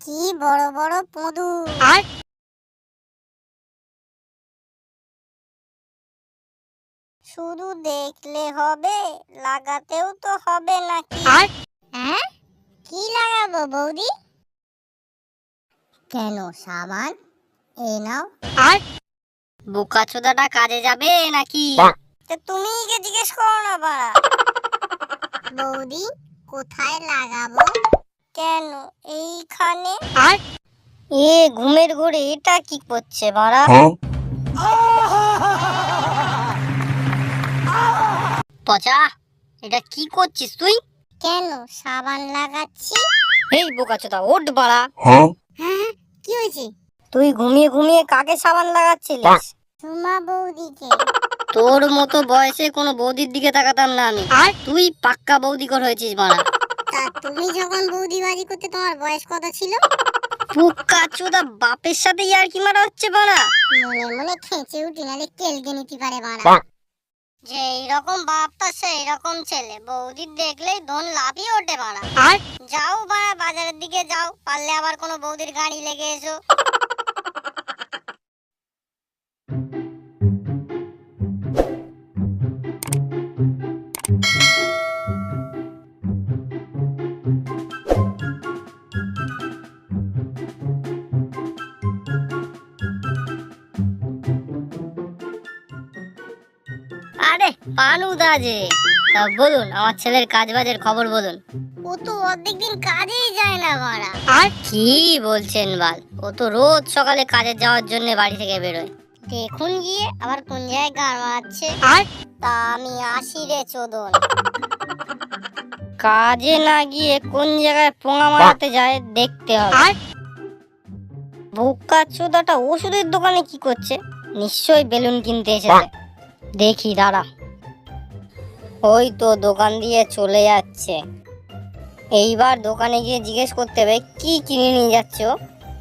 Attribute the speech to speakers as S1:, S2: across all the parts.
S1: কি বড় বড় পদু। শুধু দেখলে হবে, লাগাতেও তো হবে নাকি? হ্যাঁ, কি লাগাবো বৌদি? কেন সাবান? এই নাও।
S2: বোকাচোদাটা কাজে যাবে নাকি?
S1: তুমি কে জিজ্ঞেস করো না বাড়া। বৌদি কোথায় লাগাবো? কেন এইখানে?
S2: এ ঘুমের ঘোরে এটা কি করছে বাড়া? পচা, এটা কি করছিস তুই?
S1: কেন সাবান লাগাচ্ছি।
S2: এই বোকাচোদা ওঠ বাড়া।
S1: হ্যাঁ, কি হয়েছে?
S2: তুই ঘুমিয়ে ঘুমিয়ে কাকে সাবান লাগাচ্ছিলিস?
S1: সুমা বৌদিকে।
S2: তোর মতো বয়সে কোনো বৌদির দিকে তাকাতাম না আমি। তুই পাক্কা বৌদিকর হয়েছিস বাড়া।
S1: তা তুমি যখন বৌদিবাজি করতে তোমার বয়স কত ছিল?
S2: বোকাচোদা বাপের সাথে ইয়ার কি মারা হচ্ছে বাড়া?
S1: মনে মনে খেঁচে উঠি, নালে কেলকে নিতে পারে বাড়া।
S2: যে এইরকম বাপটা সেই রকম ছেলে, বৌদির দেখলেই ধন লাভই ওঠে বাড়া। যাও বাড়া বাজারের দিকে যাও, পারলে আবার কোনো বৌদির গাড়ি লেগে এসো। আরে পানুদা যে, তা বলুন আমার ছেলের কাজ বাজের খবর বলুন।
S1: ও তো অর্ধেক দিন কাজেই যায় না বাড়া।
S2: আর কি বলছেন বাল, ও তো রোজ সকালে কাজে যাওয়ার জন্য বাড়ি থেকে বেরোয়।
S1: দেখুন গিয়ে আবার কোন জায়গায় গান মারাচ্ছে। তা আমি আসি রে চোদন।
S2: কাজে না গিয়ে কোন জায়গায় পোঙা মারাতে যায় দেখতে হবে। বোকাচোদাটা ওষুধের দোকানে কি করছে? নিশ্চয়ই বেলুন কিনতে এসেছে। দেখি দাঁড়া, ওই তো দোকান দিয়ে চলে যাচ্ছে। এইবার দোকানে গিয়ে জিজ্ঞেস করতে হবে কি কিনে নিয়ে যাচ্ছে ও।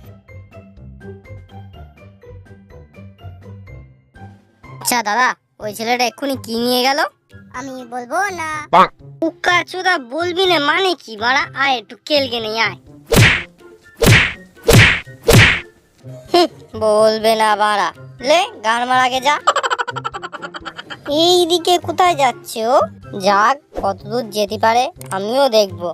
S2: আচ্ছা দাদা, ওই ছেলেটা এক্ষুনি কি নিয়ে গেল?
S1: আমি বলবো না।
S2: বোকাচোদা বলবি না মানে কি বাড়া? আয় একটু কেলকে নেই আয়। বলবে না বাড়া, লে গান মারাকে যা। এইদিকে কোথায় যাচ্ছে ও? যাক, কতদূর যেতে পারে আমিও দেখবো।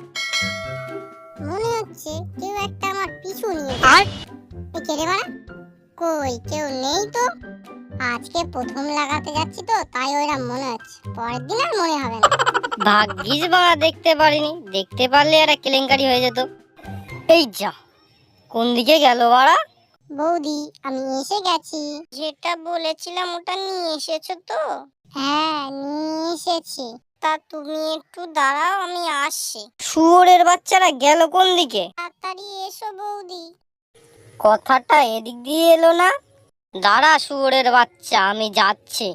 S1: মনে হচ্ছে কেউ একটা আমার পিছু নিয়ে। কে রে বাড়া? কই কেউ নেই তো। আজকে প্রথম লাগাতে যাচ্ছি তো তাই ওইরকম মনে হচ্ছে, পরের দিন আর মনে হবে না।
S2: ভাগ্যিস বাড়া দেখতে পারিনি, দেখতে পারলে একটা কেলেঙ্কারি হয়ে যেত। এই যা, কোন দিকে গেল বাড়া?
S1: বৌদি আমি এসে গেছি।
S2: যেটা বলেছিলাম ওটা নিয়ে এসেছো তো?
S1: হ্যাঁ নিয়ে এসেছি।
S2: তা তুমি একটু দাঁড়াও, আমি আসছি। শুয়োরের বাচ্চারা গেল কোন দিকে?
S1: তাড়াতাড়ি এসো বৌদি।
S2: কথাটা এদিক দিয়ে এলো না? দাঁড়া শুয়োরের বাচ্চা, আমি যাচ্ছি।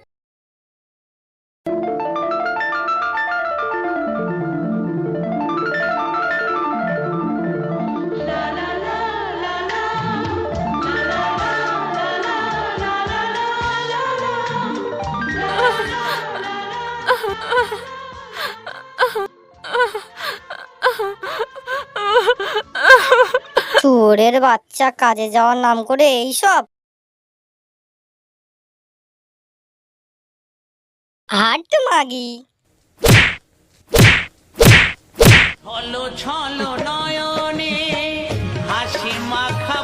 S2: শুয়োরের বাচ্চা কাজে যাওয়ার নাম করে এইসব। হাট মাগি।
S3: ছলো ছলো নয়নে হাসি মাখা